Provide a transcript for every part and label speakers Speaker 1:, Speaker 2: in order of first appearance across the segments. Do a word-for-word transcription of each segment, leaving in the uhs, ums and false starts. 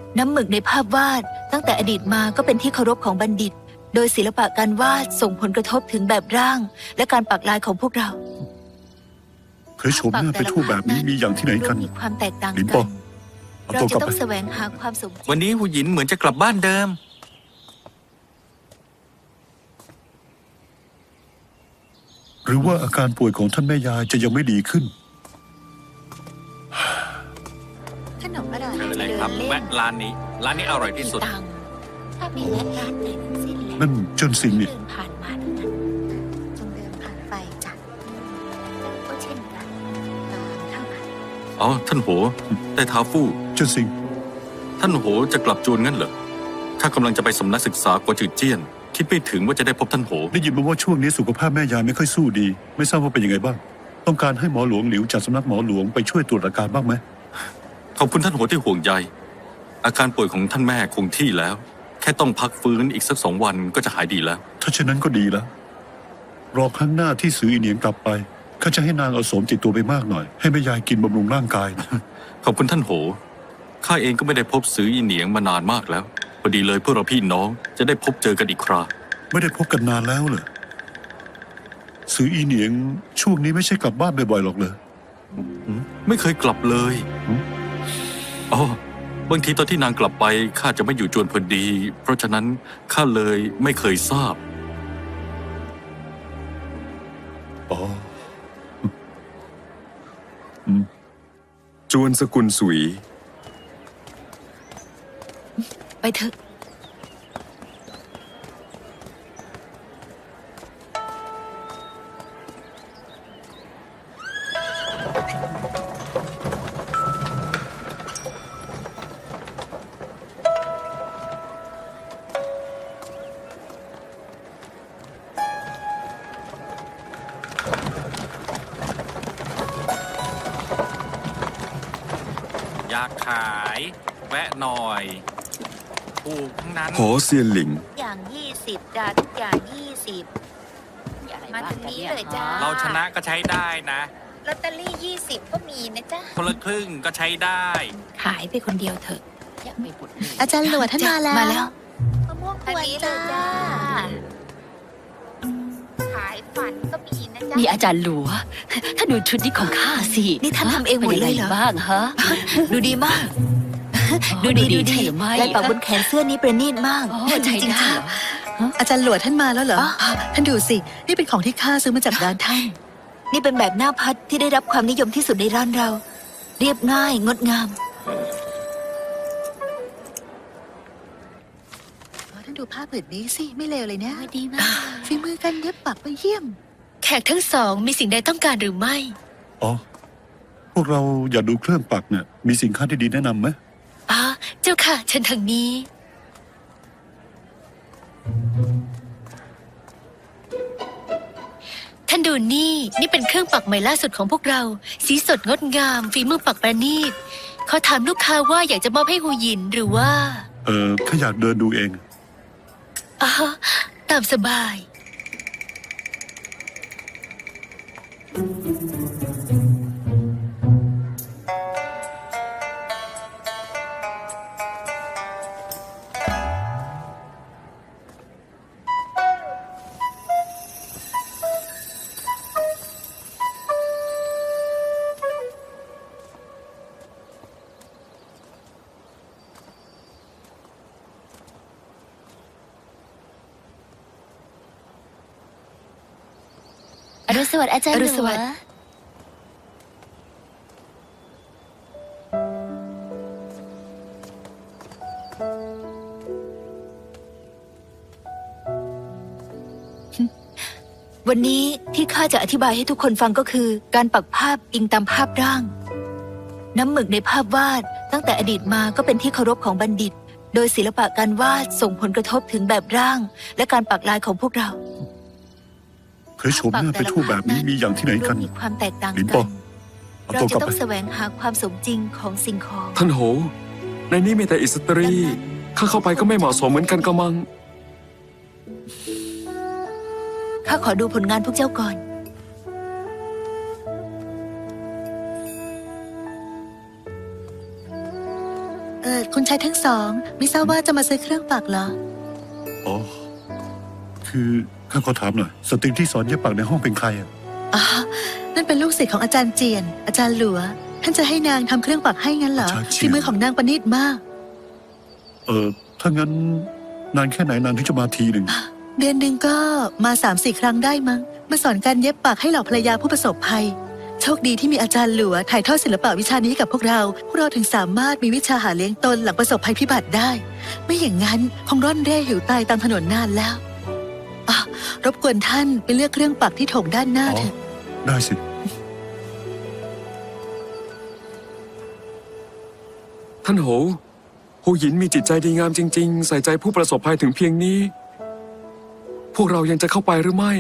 Speaker 1: น้ำหมึกในภาพวาดตั้งแต่อดีตมาก็เป็นที่เคารพของบัณฑิต โดยศิลปะการวาดส่งผลกระทบถึงแบบร่างและการปักลายของพวกเรา
Speaker 2: เคยโฉมหน้าไปทั่วแบบนี้มีอย่างที่ไหนกัน
Speaker 1: มีความแตกต่าง
Speaker 2: ลิน
Speaker 1: กั
Speaker 2: ปอน เอา
Speaker 1: เรา
Speaker 2: ตัว
Speaker 1: จะ
Speaker 2: กลับ
Speaker 1: ต้อ
Speaker 2: ไป
Speaker 1: งแสวงหาความสมจริง
Speaker 3: วันนี้หูหยินเหมือนจะกลับบ้านเดิม
Speaker 2: หรือว่าอาการป่วยของท่านแม่ยายจะยังไม่ดีขึ้น
Speaker 1: ขนมอร่อย
Speaker 3: เชิญเลยครับ แวะร้านนี้ ร้านนี้อร่อยที่สุด
Speaker 1: ตังค์ถ้าไม่แวะร้านไหนทั้งสิ้นแหละ
Speaker 2: นั่นเจิ้นซิงนี่
Speaker 1: เดินผ่านมาเท่านั้นจงเดินผ่านไปจ้ะก็เช่นกันตามเท่านั้น
Speaker 3: อ๋อ ท่านโหแต่ท้าฟู่
Speaker 2: เจิ้นซิง
Speaker 3: ท่านโหจะกลับจวนงั้นเหรอข้ากำลังจะไปสำนักศึกษากวจืดเจี้ยน คิดไม่ถึงว่าจะได้พบท่านโห
Speaker 2: ได้ยินมาว่าช่วงนี้สุขภาพแม่ยายไม่ค่อยสู้ดี ไม่ทราบว่าเป็นยังไงบ้าง ต้องการให้หมอหลวงหลิวจากสำนักหมอหลวงไปช่วยตรวจอาการบ้างไหม
Speaker 3: ขอบคุณท่านโหที่ห่วงใย อาการป่วยของท่านแม่คงที่แล้ว แค่ต้องพักฟื้นอีกสักสองวันก็จะหายดีแล้ว
Speaker 2: ถ้าเช่นนั้นก็ดีแล้ว รอครั้งหน้าที่ซื้ออีเหนียงกลับไปข้าจะให้นางเอาโสมติดตัวไปมากหน่อย ให้แม่ยายกินบำรุงร่างกายนะ
Speaker 3: ขอบคุณท่านโห ข้าเองก็ไม่ได้พบซื้ออีเหนียงมานานมากแล้ว พอดีเลยพวกเราพี่น้องจะได้พบเจอกันอีกครา
Speaker 2: ไม่ได้พบกันนานแล้วเหรอซื้ออีเหนียงช่วงนี้ไม่ใช่กลับบ้านบ่อยๆหรอกเลย
Speaker 3: ไม่เคยกลับเลย
Speaker 2: หืม
Speaker 3: อ๋อบางทีตอนที่นางกลับไปข้าจะไม่อยู่จวนพอดี เพราะฉะนั้นข้าเลยไม่เคยทราบ
Speaker 2: อ๋อ
Speaker 4: จวนสกุลสุย
Speaker 1: ไปเถอะ
Speaker 3: อยากขาย แวะหน่อยถูกทั้งนั้น
Speaker 4: หอเซียนหลิง
Speaker 1: อย่างยี่สิบจ้าทุกอย่างยี่สิบมาทางนี้เลยจ้า
Speaker 3: เราชนะก็ใช้ได้นะ
Speaker 1: ลอตเตอรี่ยี่สิบก็มีนะจ๊ะ
Speaker 3: คนละครึ่งก็ใช้ได้
Speaker 1: ขายไปคนเดียวเถอะ
Speaker 5: อาจารย์หลวดท่านมาแล้ว
Speaker 1: มาแล้ว
Speaker 5: มะม่วงก
Speaker 1: อัน
Speaker 5: วน
Speaker 1: นี้เลย
Speaker 5: จ้า
Speaker 1: จ้า ขายฝันก็มีนะจ๊ะ
Speaker 6: นี่อาจารย์หลัว ถ้าดูชุดนี้ของข้าสิ
Speaker 1: นี่ท่านทำเองหมดเลยเหรอ
Speaker 6: ป็นงไงบ้างฮะ
Speaker 1: ดูดีมาก
Speaker 6: อ๋อ
Speaker 1: ดูดีดู
Speaker 6: ใช่
Speaker 1: ดี
Speaker 6: หรือไม่
Speaker 1: ลายปักบนแขนเสื้อนี้ประณีตมาก
Speaker 6: อ๋อ
Speaker 1: จ
Speaker 6: ใช่
Speaker 1: ริงๆ
Speaker 6: ได้
Speaker 1: ค่ะ
Speaker 6: เหรอ
Speaker 5: อาจารย์หลวดท่านมาแล้วเหรอ
Speaker 1: อ๋อ
Speaker 5: ท่านดูสิ นี่เป็นของที่ข้าซื้อมาจากร้านท่าน
Speaker 1: นี่เป็นแบบหน้าพัดที่ได้รับความนิยมที่สุดในร้านเรา เรียบง่ายงดงาม
Speaker 5: ท่านดูผ้าผืนนี้สิ ไม่เลวเลยนะ
Speaker 6: ดีมาก
Speaker 5: ฝีมือกันเย็บปักไปเยี่ยม
Speaker 6: แขกทั้งสองมีสิ่งใดต้องการหรือไม่
Speaker 2: อ๋อ พวกเราอยากดูเครื่องปักเนี่ย มีสินค้าที่ดีแนะนำไหม
Speaker 6: อ๋อ เจ้าค่ะเชิญทางนี้ ท่านดูนี่ นี่เป็นเครื่องปักใหม่ล่าสุดของพวกเรา สีสดงดงาม ฝีมือปักประณีตเขาถามลูกค้าว่าอยากจะมอบให้หูหยินหรือว่า
Speaker 2: เออข้าอยากเดินดูเอง
Speaker 6: อ๋อ ตามสบาย
Speaker 5: อรุณสวัสดิ์อาจารย์
Speaker 6: อ
Speaker 5: หล
Speaker 6: รุณส
Speaker 5: ว
Speaker 6: วัสดิ์
Speaker 1: วันนี้ที่ข้าจะอธิบายให้ทุกคนฟังก็คือ การปักภาพอิงตามภาพร่าง น้ำหมึกในภาพวาดตั้งแต่อดีตมาก็เป็นที่เคารพของบัณฑิต โดยศิลปะการวาดส่งผลกระทบถึงแบบร่าง และการปักลายของพวกเรา
Speaker 2: เคยโฉมหน้าไปทั่วแบบนี้มีอย่างที่ไหนกัน
Speaker 1: มีความแตกต่าง
Speaker 2: ลินป
Speaker 1: กั
Speaker 2: อน เอา
Speaker 1: เรา
Speaker 2: ตัว
Speaker 1: จะ
Speaker 2: กลับ
Speaker 1: ต้อ
Speaker 2: ไป
Speaker 1: งแสวงหาความสมจริงของสิ่งของ
Speaker 4: ท่านโห ในนี้มีแต่อิสตรี ข้าเข้าไปก็ไม่เหมาะสมเหมือนกันกะมัง
Speaker 1: ข้าขอดูผลงานพวกเจ้าก่อน
Speaker 5: เออคุณชายทั้งสอง ไม่ทราบว่าจะมาซื้อเครื่องปักเหรอ
Speaker 2: อ๋อ คือข้าขอถามหน่อย สตรีที่สอนเย็บปักในห้องเป็นใครอ่ะ
Speaker 5: อ๋อ นั่นเป็นลูกศิษย์ของอาจารย์เจียน อาจารย์หลัว ท่านจะให้นางทำเครื่องปักให้งั้นเหรอ
Speaker 2: อาจารย์เจียน
Speaker 5: ฝีมือของนางประณีตมาก
Speaker 2: เออ ถ้างั้นนานแค่ไหนนานที่จะมาทีหนึ่ง
Speaker 5: เดือนหนึ่งก็มาสามสี่ครั้งได้มั้ง มาสอนการเย็บปักให้เหล่าภรรยาผู้ประสบภัย โชคดีที่มีอาจารย์หลัวถ่ายทอดศิลปะวิชานี้ให้กับพวกเรา พวกเราถึงสามารถมีวิชาหาเลี้ยงตนหลังประสบภัยพิบัติได้ ไม่อย่างนั้นคงร่อนเร่หิวตายตามถนนนานแล้วอ่ะรบกวนท่านไปเลือกเครื่องปักที่โถงด้านหน้า
Speaker 2: อ๋อ
Speaker 5: เถอะ
Speaker 2: ได้สิ
Speaker 4: ท่านโหหูหยินมีจิตใจดีงามจริง ๆ ใส่ใจผู้ประสบภัยถึงเพียงนี้ พวกเรายังจะเข้าไปหรือไม่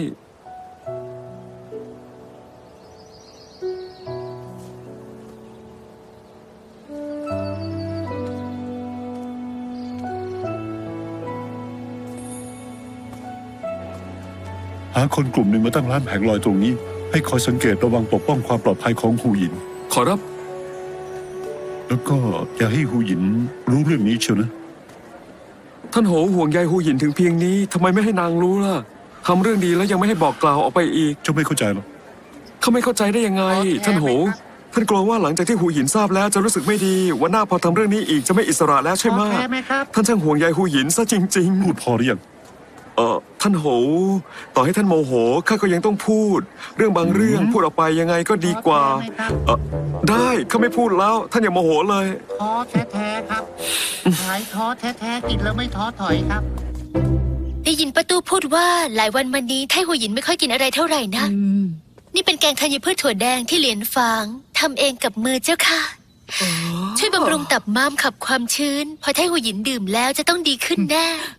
Speaker 2: หาคนกลุ่มหนึ่งมาตั้งร้านแผงลอยตรงนี้ ให้คอยสังเกตระวังปกป้องความปลอดภัยของหูหยิน
Speaker 4: ขอรับ
Speaker 2: แล้วก็อย่าให้หูหยินรู้เรื่องนี้เชียวนะ
Speaker 4: ท่านโหห่วงใยหูหยินถึงเพียงนี้ทำไมไม่ให้นางรู้ล่ะทำเรื่องดีแล้วยังไม่ให้บอกกล่าวออกไปอีก
Speaker 2: เจ้าไม่เข้าใจหรอก
Speaker 4: เขาไม่เข้าใจได้ยังไง ท่านโห ท่านกลัวว่าหลังจากที่หูหยินทราบแล้วจะรู้สึกไม่ดีวันหน้าพอทำเรื่องนี้อีกจะไม่อิสระแล้วใช่ไหม
Speaker 7: โอเคไหมครับ
Speaker 4: ท่านช่างห่วงใยหูหยินซะจริง
Speaker 2: พูดพอหรือยัง
Speaker 4: ๆ เออท่านโห ต่อให้ท่านโมโหข้าก็ยังต้องพูด เรื่องบางเรื่องพูดออกไปยังไงก็ดีกว่า
Speaker 7: โอเคไหมครับ
Speaker 4: เออได้ข้าไม่พูดแล้ว ท่านอย่าโมโหเลย
Speaker 7: ท้อแท้ๆครับหายท้อแท้ๆกินแล้วไม่ท้อถอยครับ
Speaker 6: ได้ยินป้าตู้พูดว่าหลายวันมานี้ไทหัวหยินไม่ค่อยกินอะไรเท่าไหร่นะ นี่เป็นแกงธัญพืชถั่วแดงที่เหรียญฝางทำเองกับมือเจ้าค่ะ ช่วยบำรุงตับม้ามขับความชื้น พอไทหัวหยินดื่มแล้วจะต้องดีขึ้นแน่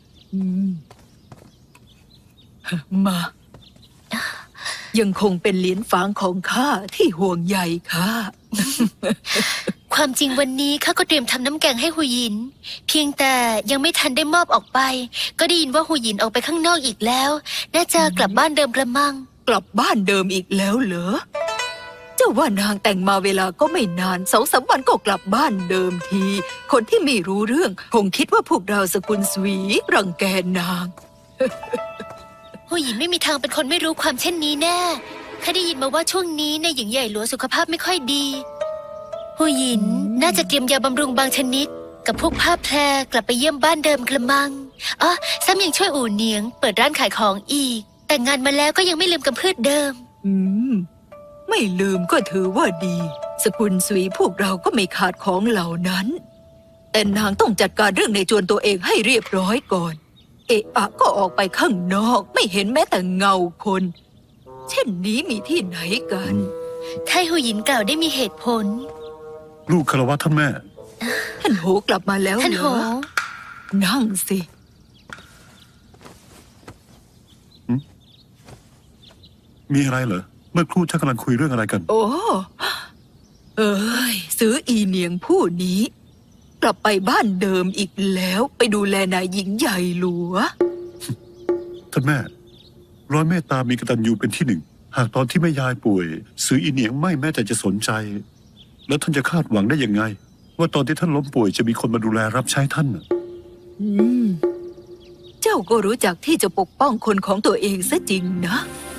Speaker 1: มา ยังคงเป็นเหรียญฝางของข้าที่ห่วงใยข้า
Speaker 6: ความจริงวันนี้ข้าก็เตรียมทำน้ำแกงให้หูหยิน เพียงแต่ยังไม่ทันได้มอบออกไป ก็ได้ยินว่าหูหยินออกไปข้างนอกอีกแล้ว น่าจะกลับบ้านเดิมกระมัง
Speaker 1: กลับบ้านเดิมอีกแล้วเหรอ เจ้าว่านางแต่งมาเวลาก็ไม่นานสองสามวันก็กลับบ้านเดิมที คนที่ไม่รู้เรื่องคงคิดว่าพวกเราสกุลสวีรังแกนาง
Speaker 6: หูหยินไม่มีทางเป็นคนไม่รู้ความเช่นนี้แน่ข้าได้ยินมาว่าช่วงนี้ในายหญิงใหญ่หลวงสุขภาพไม่ค่อยดีหูหยินน่าจะเตรียมยาบำรุงบางชนิด กับพวกผ้าแพรกลับไปเยี่ยมบ้านเดิมกระมังอ๋อซ้ำยังช่วยอู่เหนียง เปิดร้านขายของอีก แต่งงานมาแล้วก็ยังไม่ลืมกำพืชเดิม
Speaker 1: อืม ไม่ลืมก็ถือว่าดี สกุลสวีพวกเราก็ไม่ขาดของเหล่านั้น แต่นางต้องจัดการเรื่องในจวนตัวเองให้เรียบร้อยก่อน เอะอะก็ออกไปข้างนอกไม่เห็นแม้แต่เงาคน เช่นนี้มีที่ไหนกัน
Speaker 6: ไทหูหยินกล่าวได้มีเหตุผล
Speaker 2: ลูกคารวะท่านแม่
Speaker 1: ท่านโหกลับมาแล้ว
Speaker 6: ท่าน
Speaker 1: เหร
Speaker 6: โห
Speaker 1: อ นั่งสิ
Speaker 2: มีอะไรเหรอ เมื่อครู่ท่านกำลังคุยเรื่องอะไรกัน
Speaker 1: โอ้ เอ้ย ซื้ออีเนียงผู้นี้ กลับไปบ้านเดิมอีกแล้วไปดูแลนายหญิงใหญ่หลัว
Speaker 2: ท่านแม่ ร้อยเมตตามีกตัญญูเป็นที่หนึ่ง หากตอนที่แม่ยายป่วย ซื้ออีเหนียงไม่แม้แต่จะสนใจ แล้วท่านจะคาดหวังได้ยังไง ว่าตอนที่ท่านล้มป่วยจะมีคนมาดูแลรับใช้ท่านน่ะ
Speaker 1: อืม เจ้าก็รู้จักที่จะปกป้องคนของตัวเองซะจริงนะ